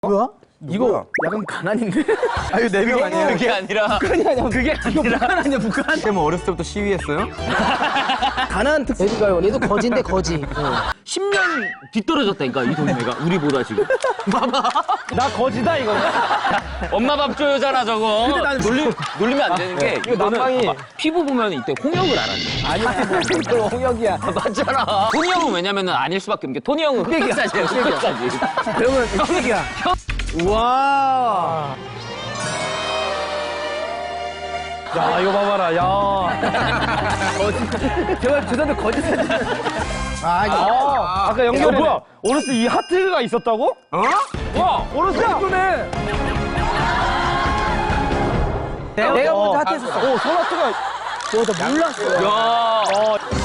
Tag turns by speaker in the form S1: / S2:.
S1: 뭐야?
S2: 이거 약간 가난인데?
S1: 아 이거 4명 아니에요?
S3: 그게 아니라
S2: 북한이 아니야. 그게 아니라. 북한 아니야, 북한.
S1: 뭐 어렸을 때부터 시위했어요?
S2: 가난 특.
S4: 얘도 얘도 거지인데 거지.
S3: 10년 뒤떨어졌다니까 이 동네가 우리보다 지금.
S2: 나 거지다, 이거.
S3: 엄마 밥 줘요잖아 저거.
S2: 근데 나는
S3: 놀리면 안 되는 게
S2: 이거 난방이.
S3: 피부 보면 이때 홍역을 알았네.
S2: 아니야. 이거 홍역이야.
S3: 맞잖아. 토니 형은 왜냐면은 아닐 수밖에 없는 게 토니 형은 흑백사지야 흑백사지.
S2: 그러면 흑백이야. 우와. 야, 이거 봐봐라, 야. 거짓. 제가 죄송한데 거짓 사진. 아까 연결해. 뭐야? 어렸을 때 이 하트가 있었다고?
S1: 어?
S3: 와
S2: 어렸을 때 예쁘네. 내가 먼저 하트 했었어. 오, 손 하트가. 나 몰랐어.
S3: 야.